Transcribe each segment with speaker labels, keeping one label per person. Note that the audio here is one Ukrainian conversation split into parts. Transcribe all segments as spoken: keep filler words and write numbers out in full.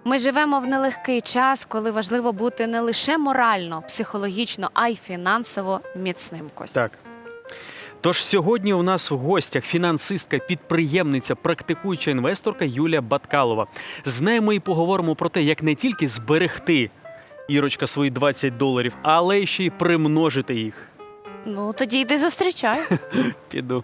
Speaker 1: Ми живемо в нелегкий час, коли важливо бути не лише морально, психологічно, а й фінансово міцним, Костя.
Speaker 2: Так. Тож сьогодні у нас в гостях фінансистка, підприємниця, практикуюча інвесторка Юлія Баткалова. З нею ми і поговоримо про те, як не тільки зберегти, Ірочка, свої двадцять доларів, але ще й примножити їх.
Speaker 1: Ну, тоді йди зустрічай.
Speaker 2: Піду.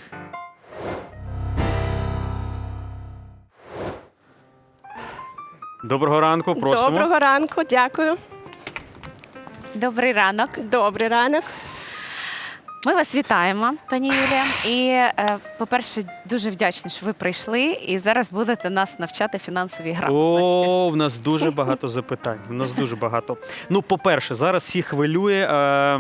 Speaker 2: Доброго ранку, просимо.
Speaker 3: Доброго ранку, дякую.
Speaker 1: Добрий ранок.
Speaker 3: Добрий ранок.
Speaker 1: Ми вас вітаємо, пані Юлія. І, е, по-перше, дуже вдячні, що ви прийшли і зараз будете нас навчати фінансовій грамотності.
Speaker 2: О, в нас дуже багато запитань. В нас дуже багато. Ну, по-перше, зараз всі хвилює е,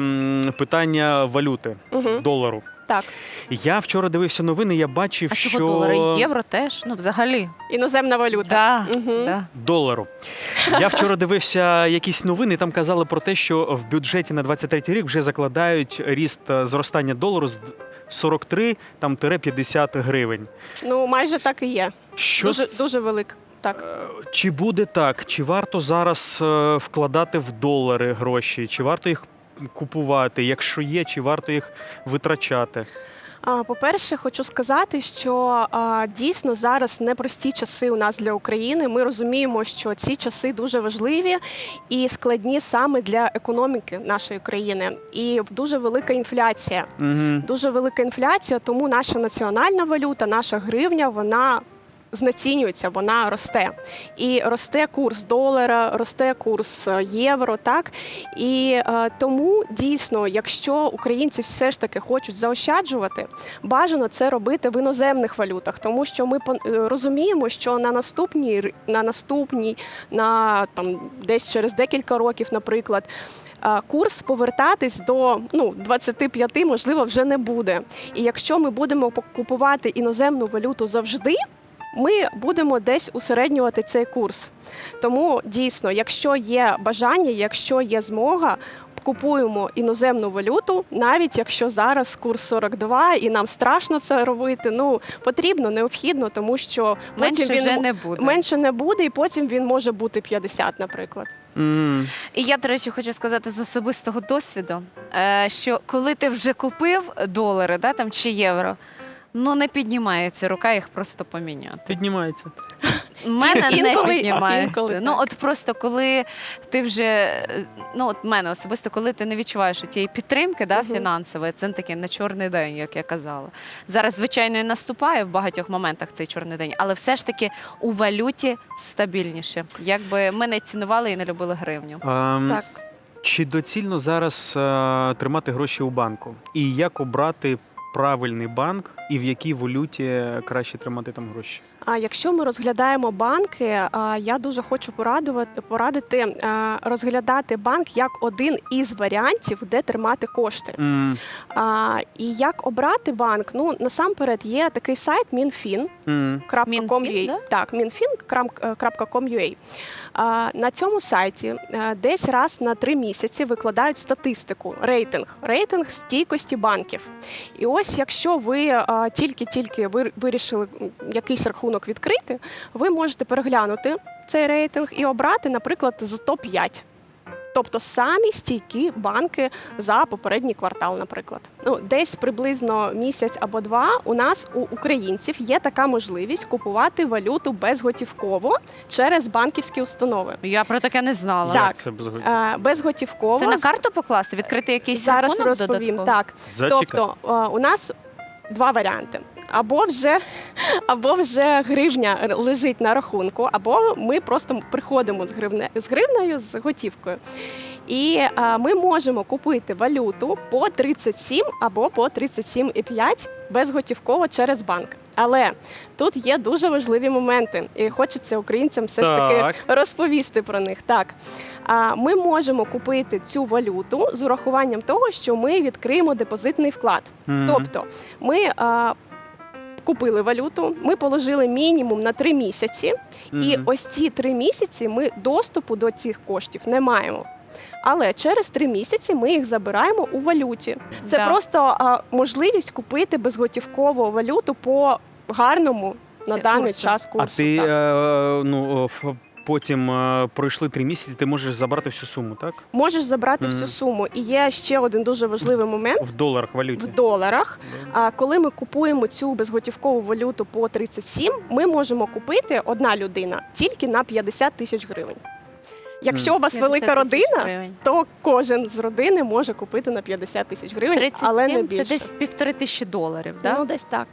Speaker 2: м, питання валюти,
Speaker 3: Угу.
Speaker 2: долару.
Speaker 3: Так,
Speaker 2: Я вчора дивився новини, я бачив,
Speaker 1: А
Speaker 2: що...
Speaker 1: чого долари? Євро теж? Ну, взагалі.
Speaker 3: іноземна валюта.
Speaker 1: Да,
Speaker 3: Мгм.
Speaker 1: да.
Speaker 2: Долару. Я вчора дивився якісь новини, і там казали про те, що в бюджеті на двадцять третій рік вже закладають ріст е, зростання долару з сорок три там, тире п'ятдесят гривень.
Speaker 3: Ну, майже так і є.
Speaker 2: Що
Speaker 3: Дуже,
Speaker 2: з-
Speaker 3: дуже велик. Так.
Speaker 2: Е, Чи буде так? Чи варто зараз е, вкладати в долари гроші? Чи варто їх купувати? Якщо є, чи варто їх витрачати?
Speaker 3: А, По-перше, хочу сказати, що а, дійсно зараз непрості часи у нас для України. Ми розуміємо, що ці часи дуже важливі і складні саме для економіки нашої країни. І дуже велика інфляція.
Speaker 2: Угу.
Speaker 3: Дуже велика інфляція, тому наша національна валюта, наша гривня, вона знецінюється, вона росте. І росте курс долара, росте курс е, євро, так? І е, тому дійсно, якщо українці все ж таки хочуть заощаджувати, бажано це робити в іноземних валютах, тому що ми пон- е, розуміємо, що на наступній, р- на наступній, на там десь через декілька років, наприклад, а, курс повертатись до ну, двадцяти п'яти, можливо, вже не буде. І якщо ми будемо купувати іноземну валюту завжди, ми будемо десь усереднювати цей курс. Тому дійсно, якщо є бажання, якщо є змога, купуємо іноземну валюту, навіть якщо зараз курс сорок два і нам страшно це робити, ну потрібно, необхідно, тому що
Speaker 1: Менше
Speaker 3: потім він
Speaker 1: вже
Speaker 3: м-
Speaker 1: не буде.
Speaker 3: менше не буде, і потім він може бути п'ятдесят, наприклад.
Speaker 2: Угу.
Speaker 1: І я, до речі, хочу сказати з особистого досвіду, е, що коли ти вже купив долари, да, там, чи євро, ну не піднімається рука їх просто поміняти.
Speaker 2: Піднімається.
Speaker 1: У мене не
Speaker 3: Інколи-
Speaker 1: піднімається.
Speaker 3: інколи
Speaker 1: Ну
Speaker 3: так.
Speaker 1: от просто коли ти вже, е, ну от мене особисто, коли ти не відчуваєш тієї підтримки, да,
Speaker 3: Мгм.
Speaker 1: фінансової, це такий на чорний день, як я казала. Зараз, звичайно, і наступає в багатьох моментах цей чорний день, але все ж таки у валюті стабільніше. Якби ми не цінували і не любили гривню.
Speaker 2: Ем,
Speaker 3: Так.
Speaker 2: Чи доцільно зараз е, тримати гроші у банку? І як обрати правильний банк, і в якій валюті краще тримати там гроші?
Speaker 3: А якщо ми розглядаємо банки, а, я дуже хочу порадувати, порадити а, розглядати банк як один із варіантів, де тримати кошти.
Speaker 2: М,
Speaker 3: А, і як обрати банк? Ну насамперед є такий сайт мінфін
Speaker 2: м,
Speaker 3: крапка ком крапка ю а.
Speaker 1: Мінфін,
Speaker 3: Так, мінфін крапка ком крапка ю а. На цьому сайті е, десь раз на три місяці викладають статистику, рейтинг, рейтинг стійкості банків. І ось якщо ви е, тільки-тільки ви- вирішили м, якийсь рахунок відкрити, ви можете переглянути цей рейтинг і обрати, наприклад, з топ п'ять. Тобто самі стійкі банки за попередній квартал, наприклад. Ну, десь приблизно місяць або два у нас, у українців, є така можливість купувати валюту безготівково через банківські установи.
Speaker 1: Я про таке не знала.
Speaker 3: Так.
Speaker 2: Як це безгодні?
Speaker 3: Е, Безготівково.
Speaker 1: Це на карту покласти, відкрити якийсь
Speaker 3: Зараз
Speaker 1: рахунок
Speaker 3: розповім.
Speaker 1: додатково?
Speaker 3: Так.
Speaker 2: Зачекай.
Speaker 3: Тобто е, у нас два варіанти. Або вже, або вже гривня лежить на рахунку, або ми просто приходимо з, гривне, з гривнею, з готівкою. І а, ми можемо купити валюту по тридцять сім або по тридцять сім і п'ять безготівково через банк. Але тут є дуже важливі моменти, і хочеться українцям все ж
Speaker 2: Так.
Speaker 3: таки розповісти про них. Так, а, ми можемо купити цю валюту з урахуванням того, що ми відкриємо депозитний вклад.
Speaker 2: Мгм.
Speaker 3: Тобто ми а, купили валюту, ми положили мінімум на три місяці, і
Speaker 2: Мгм.
Speaker 3: ось ці три місяці ми доступу до цих коштів не маємо. Але через три місяці ми їх забираємо у валюті. Це
Speaker 1: Да.
Speaker 3: просто а, можливість купити безготівкову валюту по гарному на
Speaker 1: Це
Speaker 3: даний
Speaker 1: курсу.
Speaker 3: час
Speaker 2: А
Speaker 3: курсу.
Speaker 2: ти
Speaker 3: так.
Speaker 2: е, ну, ф- потім е, пройшли три місяці, ти можеш забрати всю суму, так?
Speaker 3: Можеш забрати
Speaker 2: Мгм.
Speaker 3: всю суму. І є ще один дуже важливий момент
Speaker 2: В доларах, валюті.
Speaker 3: в доларах.
Speaker 2: Да.
Speaker 3: А коли ми купуємо цю безготівкову валюту по тридцять сім, ми можемо купити одна людина тільки на п'ятдесят тисяч гривень. Якщо у вас велика
Speaker 1: п'ятдесят тисяч
Speaker 3: родина,
Speaker 1: гривень.
Speaker 3: то кожен з родини може купити на п'ятдесят тисяч гривень,
Speaker 1: тридцять
Speaker 3: але не
Speaker 1: сім
Speaker 3: більше.
Speaker 1: це десь півтори тисячі доларів, так?
Speaker 3: Ну, десь так.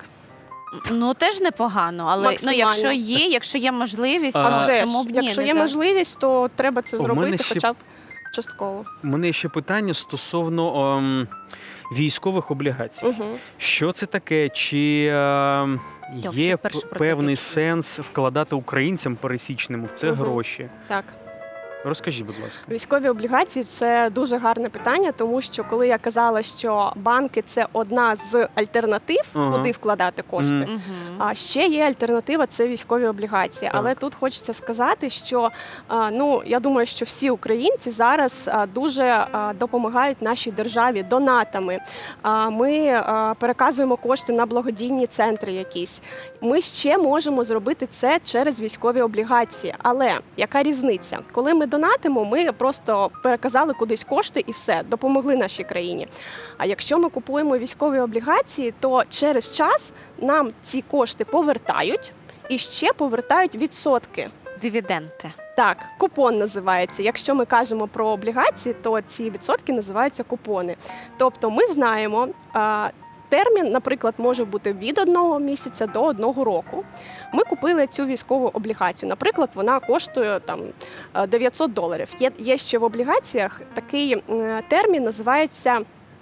Speaker 1: Ну теж непогано, але ну,
Speaker 3: Максимально.
Speaker 1: якщо є, якщо є можливість,
Speaker 2: А
Speaker 3: А
Speaker 1: то
Speaker 3: вже ж,
Speaker 1: чому б ні?
Speaker 3: якщо
Speaker 1: не
Speaker 3: є
Speaker 1: за-
Speaker 3: можливість, то треба це
Speaker 2: У мене
Speaker 3: зробити
Speaker 2: ще-
Speaker 3: хоча б частково.
Speaker 2: У мене є ще питання стосовно ем, військових облігацій.
Speaker 3: Угу.
Speaker 2: Що це таке? Чи ем,
Speaker 1: Йоп,
Speaker 2: є
Speaker 1: ще вперше
Speaker 2: п-
Speaker 1: про
Speaker 2: певний
Speaker 1: таке чую.
Speaker 2: сенс вкладати українцям пересічним в це
Speaker 3: Мгм.
Speaker 2: гроші?
Speaker 3: Так.
Speaker 2: Розкажіть, будь ласка.
Speaker 3: Військові облігації це дуже гарне питання, тому що коли я казала, що банки це одна з альтернатив,
Speaker 2: Ага.
Speaker 3: куди вкладати кошти.
Speaker 2: Мгм.
Speaker 1: Мгм.
Speaker 3: А ще є альтернатива це військові облігації.
Speaker 2: Так.
Speaker 3: Але тут хочеться сказати, що а, ну я думаю, що всі українці зараз а, дуже а, допомагають нашій державі донатами. А, Ми а, переказуємо кошти на благодійні центри якісь. Ми ще можемо зробити це через військові облігації. Але яка різниця? Коли ми донатимо, ми просто переказали кудись кошти і все, допомогли нашій країні. А якщо ми купуємо військові облігації, то через час нам ці кошти повертають і ще повертають відсотки.
Speaker 1: Дивіденти.
Speaker 3: Так, купон називається. Якщо ми кажемо про облігації, то ці відсотки називаються купони. Тобто ми знаємо, а, термін, наприклад, може бути від одного місяця до одного року. Ми купили цю військову облігацію. Наприклад, вона коштує там е, дев'ятсот доларів. Є, є ще в облігаціях такий м, термін, називається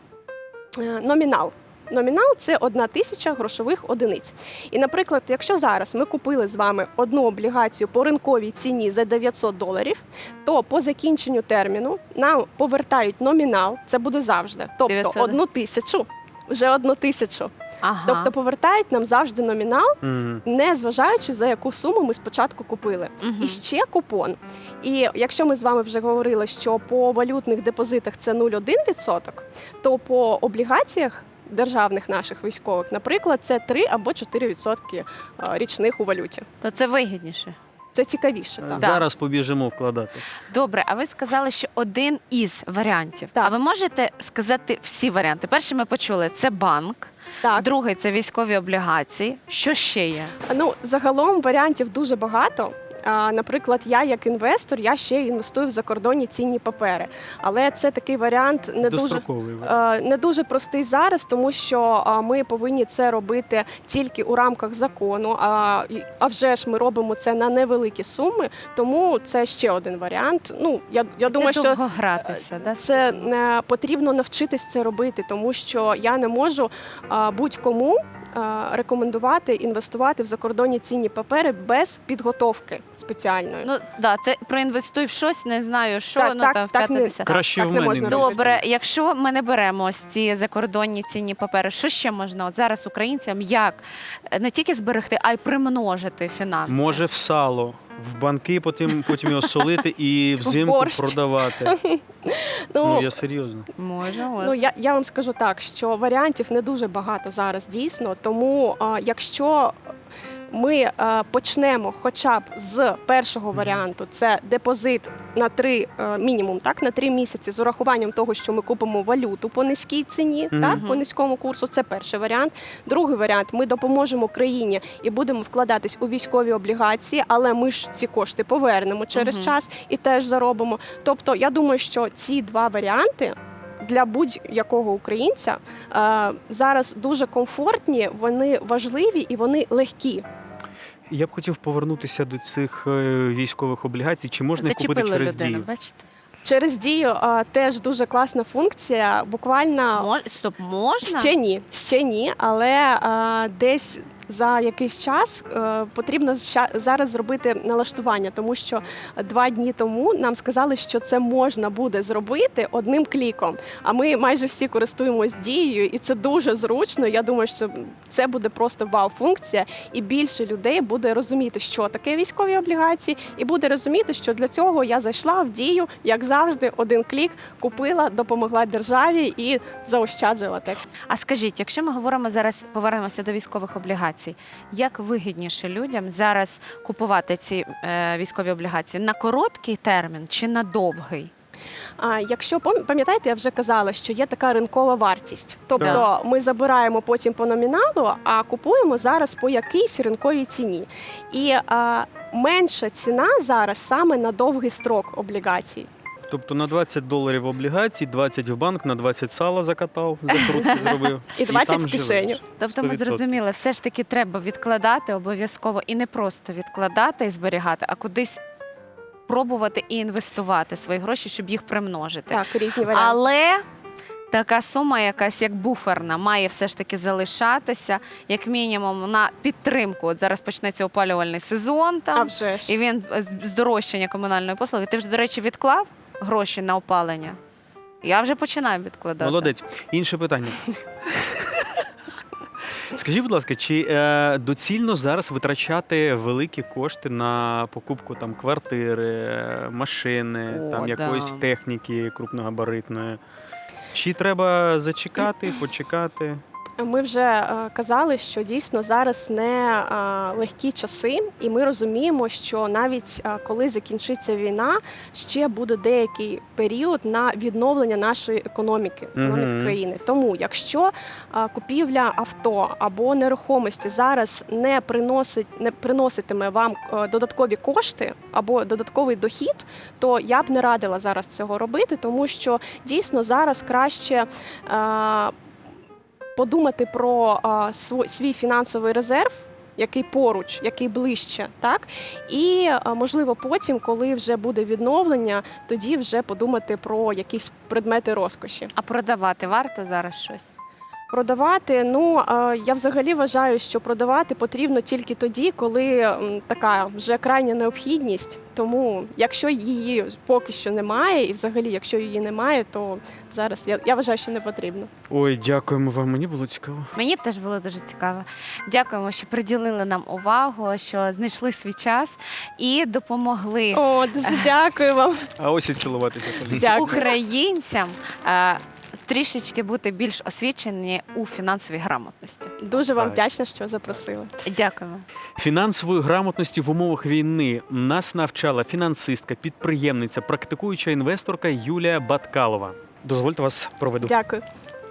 Speaker 3: е, номінал. Номінал це одна тисяча грошових одиниць. І, наприклад, якщо зараз ми купили з вами одну облігацію по ринковій ціні за дев'ятсот доларів, то по закінченню терміну нам повертають номінал, це буде завжди, тобто
Speaker 1: дев'ятсот.
Speaker 3: одну тисячу, вже одну тисячу.
Speaker 1: Ага.
Speaker 3: Тобто повертають нам завжди номінал,
Speaker 2: Мгм.
Speaker 3: не зважаючи за яку суму ми спочатку купили.
Speaker 1: Мгм.
Speaker 3: І ще купон. І якщо ми з вами вже говорили, що по валютних депозитах це нуль цілих один десятих відсотка, то по облігаціях державних наших військових, наприклад, це три або чотири відсотки а, річних у валюті.
Speaker 1: То це вигідніше.
Speaker 3: Це цікавіше. Так.
Speaker 2: Зараз побіжимо вкладати.
Speaker 1: Добре, а ви сказали, що один із варіантів.
Speaker 3: Так.
Speaker 1: А ви можете сказати всі варіанти? Перший ми почули це банк,
Speaker 3: Так.
Speaker 1: другий це військові облігації. Що ще є?
Speaker 3: Ну, загалом варіантів дуже багато. А, Наприклад, я як інвестор, я ще інвестую в закордонні цінні папери. Але це такий варіант не дуже
Speaker 2: Достроковий.
Speaker 3: Е, не дуже простий зараз, тому що а, ми повинні це робити тільки у рамках закону. А, і- а вже ж ми робимо це на невеликі суми, тому це ще один варіант. Ну я, я думаю,
Speaker 1: це
Speaker 3: що
Speaker 1: довго гратися, да?
Speaker 3: це е, потрібно навчитись це робити, тому що я не можу а, будь-кому а, рекомендувати інвестувати в закордонні цінні папери без підготовки спеціальної.
Speaker 1: Ну да, це проінвестуй в щось, не знаю, що
Speaker 3: Так,
Speaker 1: ну
Speaker 3: так,
Speaker 1: там в
Speaker 3: так не-
Speaker 1: п'яте-десяте.
Speaker 2: Краще
Speaker 3: так
Speaker 2: в
Speaker 3: не
Speaker 2: мене.
Speaker 3: можна
Speaker 2: інвестуйте.
Speaker 1: Добре, якщо ми не беремо ось ці закордонні цінні папери, що ще можна от зараз українцям як е, не тільки зберегти, а й примножити фінанси?
Speaker 2: Може в сало, в банки, потім, потім його солити і взимку
Speaker 3: борщ.
Speaker 2: продавати.
Speaker 3: Ну,
Speaker 2: Ну, я серйозно.
Speaker 1: Може, може.
Speaker 3: Ну я, я вам скажу так, що варіантів не дуже багато зараз дійсно. Тому а, якщо ми а, почнемо хоча б з першого варіанту, це депозит на три е, мінімум, так на три місяці з урахуванням того, що ми купимо валюту по низькій ціні,
Speaker 2: Мгм.
Speaker 3: так по низькому курсу. Це перший варіант. Другий варіант ми допоможемо країні і будемо вкладатись у військові облігації, але ми ж ці кошти повернемо через
Speaker 1: Мгм.
Speaker 3: час і теж заробимо. Тобто, я думаю, що ці два варіанти. Для будь-якого українця е, зараз дуже комфортні, вони важливі і вони легкі.
Speaker 2: Я б хотів повернутися до цих е, військових облігацій. Чи можна їх купити
Speaker 1: Зачепили
Speaker 2: через
Speaker 1: людину,
Speaker 2: дію?
Speaker 1: бачите?
Speaker 3: Через дію е, теж дуже класна функція. Буквально
Speaker 1: Мож... Стоп, можна?
Speaker 3: ще ні, ще ні, але е, десь за якийсь час е, потрібно ща- зараз зробити налаштування, тому що два дні тому нам сказали, що це можна буде зробити одним кліком. А ми майже всі користуємось дією, і це дуже зручно. Я думаю, що це буде просто вау-функція, і більше людей буде розуміти, що таке військові облігації, і буде розуміти, що для цього я зайшла в дію, як завжди, один клік, купила, допомогла державі і заощаджила так.
Speaker 1: А скажіть, якщо ми говоримо зараз, повернемося до військових облігацій, облігацій. Як вигідніше людям зараз купувати ці е, військові облігації на короткий термін чи на довгий?
Speaker 3: А якщо пам- пам'ятаєте, я вже казала, що є така ринкова вартість. Тобто
Speaker 1: Да.
Speaker 3: ми забираємо потім по номіналу, а купуємо зараз по якійсь ринковій ціні. І а, менша ціна зараз саме на довгий строк облігацій.
Speaker 2: Тобто на двадцять доларів облігацій, двадцять в банк, на двадцять сала закатав, закрутки зробив.
Speaker 3: І двадцять
Speaker 2: там
Speaker 3: в кишеню.
Speaker 2: живеш.
Speaker 1: Тобто ми
Speaker 2: сто відсотків.
Speaker 1: зрозуміли, все ж таки треба відкладати обов'язково і не просто відкладати і зберігати, а кудись пробувати і інвестувати свої гроші, щоб їх примножити.
Speaker 3: Так, різні варіанти.
Speaker 1: Але така сума, якась як буферна, має все ж таки залишатися, як мінімум, на підтримку. От зараз почнеться опалювальний сезон
Speaker 3: А
Speaker 1: там,
Speaker 3: вже ж.
Speaker 1: і він з- здорожчання комунальної послуги. Ти вже, до речі, відклав гроші на опалення? Я вже починаю відкладати.
Speaker 2: Молодець. Інше питання. Скажіть, будь ласка, чи е, доцільно зараз витрачати великі кошти на покупку там квартири, е, машини,
Speaker 1: О,
Speaker 2: там
Speaker 1: да.
Speaker 2: якоїсь техніки крупногабаритної? Чи треба зачекати, почекати?
Speaker 3: Ми вже е, казали, що дійсно зараз не е, легкі часи, і ми розуміємо, що навіть е, коли закінчиться війна, ще буде деякий період на відновлення нашої економіки, економіки
Speaker 2: Мгм.
Speaker 3: країни. Тому, якщо е, купівля авто або нерухомості зараз не приносить, не приноситиме вам е, додаткові кошти або додатковий дохід, то я б не радила зараз цього робити, тому що дійсно зараз краще. е, Подумати про а, сво- свій фінансовий резерв, який поруч, який ближче, так і а, можливо потім, коли вже буде відновлення, тоді вже подумати про якісь предмети розкоші.
Speaker 1: А продавати варто зараз щось?
Speaker 3: Продавати, ну а, я взагалі вважаю, що продавати потрібно тільки тоді, коли м, така вже крайня необхідність. Тому, якщо її поки що немає, і взагалі, якщо її немає, то зараз я, я вважаю, що не потрібно.
Speaker 2: Ой, дякуємо вам, мені було цікаво.
Speaker 1: Мені теж було дуже цікаво. Дякуємо, що приділили нам увагу, що знайшли свій час і допомогли
Speaker 3: О, дуже дякую вам.
Speaker 2: А ось і цілуватися. Поліна.
Speaker 3: Дякую.
Speaker 1: українцям е, трішечки бути більш освічені у фінансовій грамотності.
Speaker 3: Дуже вам
Speaker 2: Так.
Speaker 3: вдячна, що запросили.
Speaker 1: Дякуємо.
Speaker 2: Фінансової грамотності в умовах війни нас навчала фінансистка, підприємниця, практикуюча інвесторка Юлія Баткалова. Дозвольте вас проведу.
Speaker 3: Дякую.